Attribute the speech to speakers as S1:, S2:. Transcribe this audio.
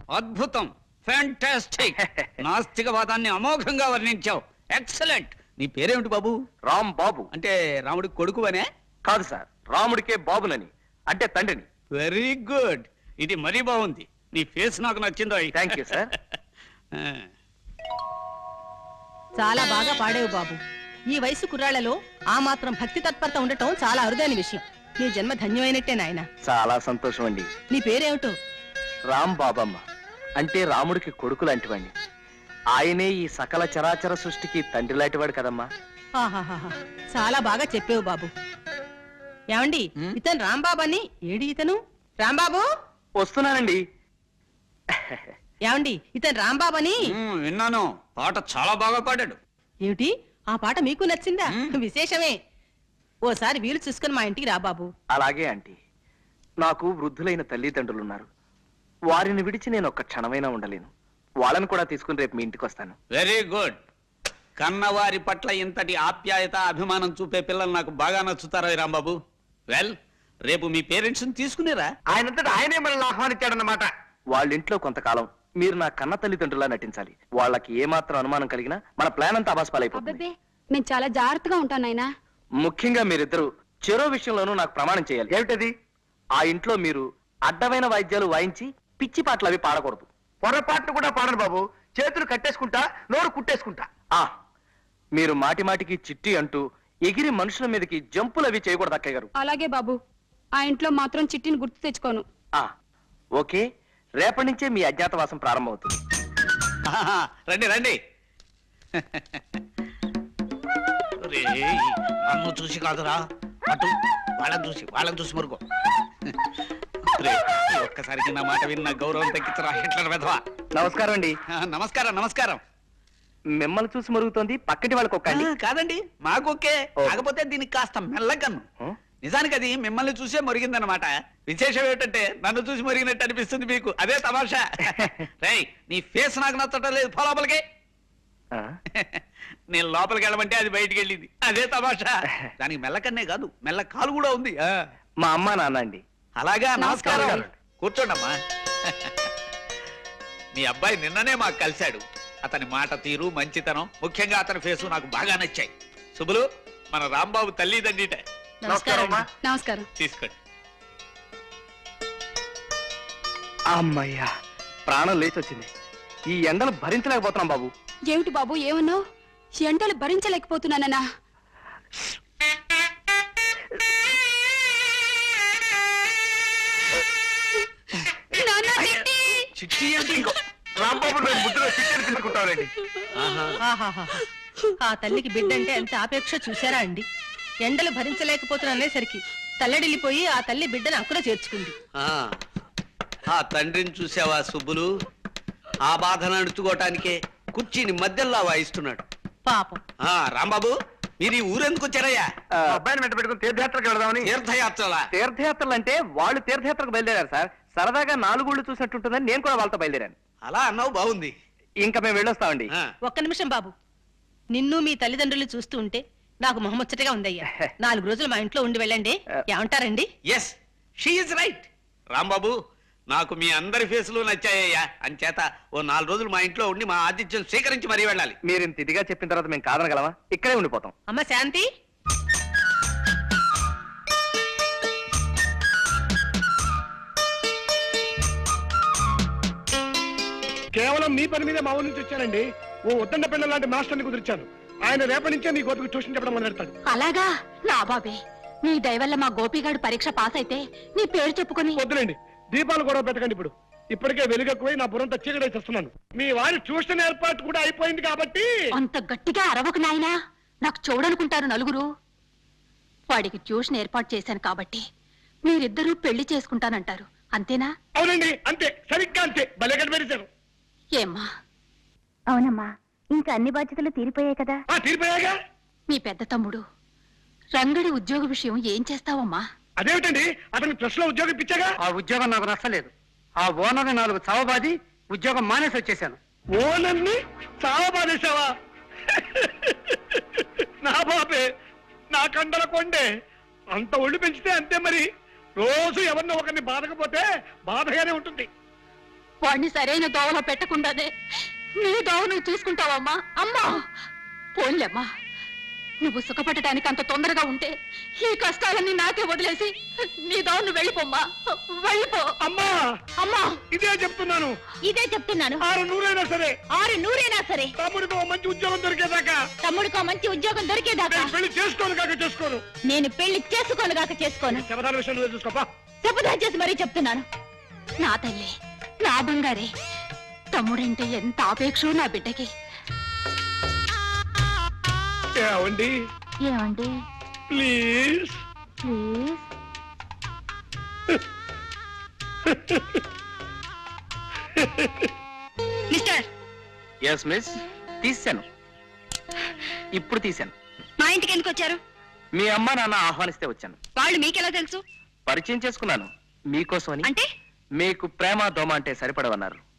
S1: అద్భుతం, fantastic. నాస్తికవాదాన్ని అమోఘంగా వర్ణించావు. Excellent. నీ పేరేమిటి బాబు?
S2: రామ్ బాబు.
S1: అంటే రాముడి కొడుకు అనే?
S2: కాదు సార్, రాముడికే బాబునని, అంటే తండ్రిని.
S1: Very good. ఇది మరీ బాగుంది. నీ ఫేస్ నాకు నచ్చిందో.
S2: Thank you sir.
S3: చాలా బాగా పాడేవు బాబు. ఈ వయసు కుర్రాళ్లలో ఆ మాత్రం భక్తి తత్పరత ఉండటం చాలా అరుదైన విషయం. నీ జన్మ ధన్యమైనట్టే నాయన.
S2: చాలా సంతోషం అండి.
S3: నీ పేరేమిటో?
S2: రామ్ బాబమ్మ, అంటే రాముడికి కొడుకు లాంటివాడిని. ఆయనే ఈ సకల చరాచర సృష్టికి తండ్రి లాంటివాడు కదమ్మా.
S3: ఆహాహా, చాలా బాగా చెప్పేవు బాబు. ఏమండి, ఇతను రాంబాబు అని. ఏడి ఇతను? రాంబాబు
S2: వస్తున్నానండి.
S3: ఏమండి, ఇతను రాంబాబు అని.
S1: విన్నాను. పాట చాలా బాగా పాడాడు.
S3: ఏమిటి, ఆ పాట మీకు నచ్చిందా? విశేషమే. ఓసారి వీలు చూసుకుని మా ఇంటికి రా బాబు.
S2: అలాగే ఆంటీ. నాకు వృద్ధులైన తల్లిదండ్రులున్నారు. వారిని విడిచి నేను ఒక్క క్షణమైనా ఉండలేను. వాళ్ళని కూడా తీసుకుని రేపు మీ ఇంటికి వస్తాను.
S1: Very good. కన్నవారి పట్ల ఇంతటి ఆప్యాయత, అభిమానం చూపే పిల్లలు నాకు బాగా నచ్చుతారా రాంబాబు? వెల్, రేపు మీ పేరెంట్స్ తీసుకునేరా?
S2: ఆయనంతటా ఆయనే మనల్ని ఆహ్వానించాడన్నమాట. వాళ్ళ ఇంట్లో కొంతకాలం మీరు నా కన్న తల్లిదండ్రులా నటించాలి. వాళ్ళకి ఏమాత్రం అనుమానం కలిగినా మన ప్లాన్ అంతా అబాస్పాలైపోతుంది.
S4: నేను చాలా జాగ్రత్తగా ఉంటాను నాయనా.
S2: ముఖ్యంగా మీరిద్దరూ చెరో విషయంలోనూ నాకు ప్రమాణం చేయాలి. ఏమిటది? ఆ ఇంట్లో మీరు అడ్డమైన వాయిద్యాలు వాయించి పిచ్చి పాటలు అవి పాడకూడదు. పొరపాట్లు కూడా పాడను బాబు. చేతులు కట్టేసుకుంటా, నోరు కుట్టేసుకుంటా. మీరు మాటి మాటికి చిట్టి అంటూ ఎగిరి మనుషుల మీదకి జంపులు అవి చేయకూడదు అక్కయ్య గారు.
S4: అలాగే బాబు. ఆ ఇంట్లో మాత్రం చిట్టిని గుర్తు తెచ్చుకోను.
S2: ఓకే, రేపటి నుంచే మీ అజ్ఞాతవాసం ప్రారంభమవుతుంది.
S1: రండి రండి. నన్ను చూసి కాదురా, అటు వాళ్ళని చూసి మరుగో. ఒక్కసారికి నా మాట విన్న గౌరవం తగ్గించరా హిట్లర్ వెధవా.
S2: నమస్కారం అండి.
S1: నమస్కారం నమస్కారం.
S2: మిమ్మల్ని చూసి మరుగుతోంది, పక్కటి వాళ్ళకి ఒక్క.
S1: కాదండి, మాకొకే. కాకపోతే దీనికి కాస్త మెల్లకన్ను. నిజానికి అది మిమ్మల్ని చూసే మరిగిందనమాట. విశేషం ఏమిటంటే నన్ను చూసి మరిగినట్టు అనిపిస్తుంది మీకు. అదే తమాషా. రై, నీ ఫేస్ నాకు నచ్చటం లేదు. లోపలికి. నేను లోపలికి వెళ్ళమంటే అది బయటికి వెళ్ళింది. అదే తమాషా. దానికి మెల్లకన్నే కాదు, మెల్ల కాలు కూడా ఉంది.
S2: మా అమ్మ నాన్న అండి.
S1: అలాగా, నమస్కారం. కూర్చోండమ్మా. మీ అబ్బాయి నిన్ననే మాకు కలిశాడు. అతని మాట తీరు, మంచితనం, ముఖ్యంగా అతని ఫేసు నాకు బాగా నచ్చాయి. శుభులు, మన రాంబాబు తల్లిదండ్రిట.
S4: నమస్కారం.
S1: తీసుకోండి.
S2: అమ్మయ్యా, ప్రాణం లేచి వచ్చింది. ఈ ఎండలు భరించలేకపోతున్నాం బాబు.
S4: ఏమిటి బాబు, ఏమన్నావు? ఎండలు భరించలేకపోతున్నానన్నా?
S1: చిట్టి అంటే ఇంకో
S2: రాంబాబు ముద్దులో చిట్టి తీసుకుంటారండి.
S3: ఆ తల్లికి బిడ్డంటే ఎంత ఆపేక్ష చూసారా అండి. ఎండలు భరించలేకపోతున్నానేసరికి తల్లడిల్లిపోయి ఆ తల్లి బిడ్డను అక్కున చేర్చుకుంది.
S1: ఆ తండ్రిని చూసావా సుబ్బులు? ఆ బాధను అణుచుకోవటానికే కుర్చీని మధ్యలో వాయిస్తున్నాడు
S3: పాపం.
S1: రాంబాబు, మీరు ఈ ఊరెందుకు వచ్చారయ్యా?
S2: అబ్బాయిని వెంట పెట్టుకుని తీర్థయాత్రకు వెళదామని.
S1: తీర్థయాత్రలు
S2: అంటే వాళ్ళు తీర్థయాత్రకు బయలుదేరారు సార్. సరదాగా 4 ఊళ్ళు చూసినట్టుంటుందని నేను కూడా వాళ్ళతో బయలుదేరాను.
S1: అలా అన్నావు, బాగుంది.
S2: ఇంకా మేము వెళ్ళొస్తామండి.
S3: ఒక్క నిమిషం బాబు. నిన్ను మీ తల్లిదండ్రులు చూస్తూ ఉంటే నాకు మొహముచ్చటగా ఉందయ్యా. 4 రోజులు మా ఇంట్లో ఉండి వెళ్ళండి. ఏమంటారండి?
S1: Yes, she is right. Rambabu, నాకు మీ అందరి ఫేసులు నచ్చాయ్యా. అంచేత ఓ 4 రోజులు మా ఇంట్లో ఉండి మా ఆతిథ్యం స్వీకరించి మరీ వెళ్ళాలి.
S2: మీరు ఇంత ఇదిగా చెప్పిన తర్వాత మేము కాదనగలమా? ఇక్కడే ఉండిపోతాం.
S3: అమ్మ శాంతి,
S5: కేవలం మీ పని మీద మా ఊరి నుంచి వచ్చానండి. ఓ ఉద్దండ పిల్లల లాంటి మాస్టర్ని కుదిర్చాను. ఆయన రేపటి నుంచే మీ గోపికి ట్యూషన్ చెప్పడం మొదలెడతాడు.
S4: అలాగా? నా బాబే, నీ దయవల్ల మా గోపిగాడు పరీక్ష పాస్ అయితే నీ పేరు చెప్పుకొని.
S5: వద్దులేండి, దీపాలు గొడవ పెట్టకండి. ఇప్పటికే వెలుగెక్కువై నా బుర్రంతా చీకటేసేస్తున్నాను. మీ వారి ట్యూషన్ ఏర్పాటు కూడా అయిపోయింది కాబట్టి.
S4: అంత గట్టిగా అరవకు నాయనా, నాకు చూడనుకుంటారు నలుగురు. వాడికి ట్యూషన్ ఏర్పాటు చేశాను కాబట్టి మీరిద్దరూ పెళ్లి చేసుకుంటానంటారు, అంతేనా?
S5: అవునండి, అంతే, సరిగ్గా అంతే. భలే కనిపెట్టారు.
S4: ఏమ్మా?
S6: అవునమ్మా, ఇంకా అన్ని బాధ్యతలు తీరిపోయాయి కదా.
S5: తీరిపోయాగా.
S4: మీ పెద్ద తమ్ముడు రంగడి ఉద్యోగ విషయం ఏం చేస్తావమ్మా?
S5: అదేమిటండి, అతనికి ప్రెస్ లో ఉద్యోగం ఇప్పించాగా.
S7: ఆ ఉద్యోగం నాకు నచ్చలేదు. ఆ ఓనర్ని 4 చావబాది ఉద్యోగం మానేసి వచ్చేసాను.
S5: ఓనర్ని చావబాదేశావా? నా బాబే, నా కండల కొండే. అంత ఒళ్ళు పెంచితే అంతే మరి. రోజు ఎవరినో ఒకరిని బాధకపోతే బాధగానే ఉంటుంది.
S4: వాడిని సరైన దోవలో పెట్టకుండానే నీ దోవ నువ్వు చూసుకుంటావమ్మా. అమ్మా పోన్లేమ్మా, నువ్వు సుఖపడటానికి అంత తొందరగా ఉంటే ఈ కష్టాలన్నీ నాకే వదిలేసి నీ దోవ నువ్వు వెళ్ళిపోమ్మా, వెళ్ళిపో.
S5: అమ్మా
S4: అమ్మా
S5: ఇదే చెప్తున్నాను,
S6: ఇదే చెప్తున్నాను.
S5: 600 సరే
S6: 600 సరే
S5: తమ్ముడికి ఓ మంచి ఉద్యోగం దొరికేదాకా
S6: తమ్ముడికో మంచి ఉద్యోగం దొరికేదాకా
S5: నేను పెళ్లి చేసుకోను కాక చేసుకోను.
S6: నేను పెళ్లి చేసుకోనుగాక చేసుకోను.
S5: శబదాల విషయం నువ్వే చూసుకోపా.
S6: శపథం చేసి మరీ చెప్తున్నాను.
S4: నా తల్లి, నా బంగారే, తమ్ముడంటే ఎంత ఆపేక్షో నా బిడ్డకి.
S5: ఏమండి
S6: ఏమండి
S5: please
S6: please
S3: mister,
S2: yes miss, తీశాను, ఇప్పుడు తీశాను.
S3: మా ఇంటికి ఎందుకు వచ్చారు?
S2: మీ అమ్మ నాన్న ఆహ్వానిస్తే వచ్చాను.
S3: వాళ్ళు మీకెలా తెలుసు?
S2: పరిచయం చేసుకున్నాను మీకోసమని.
S3: అంటే
S2: మీకు ప్రేమ దోమ అంటే సరిపడవన్నారు.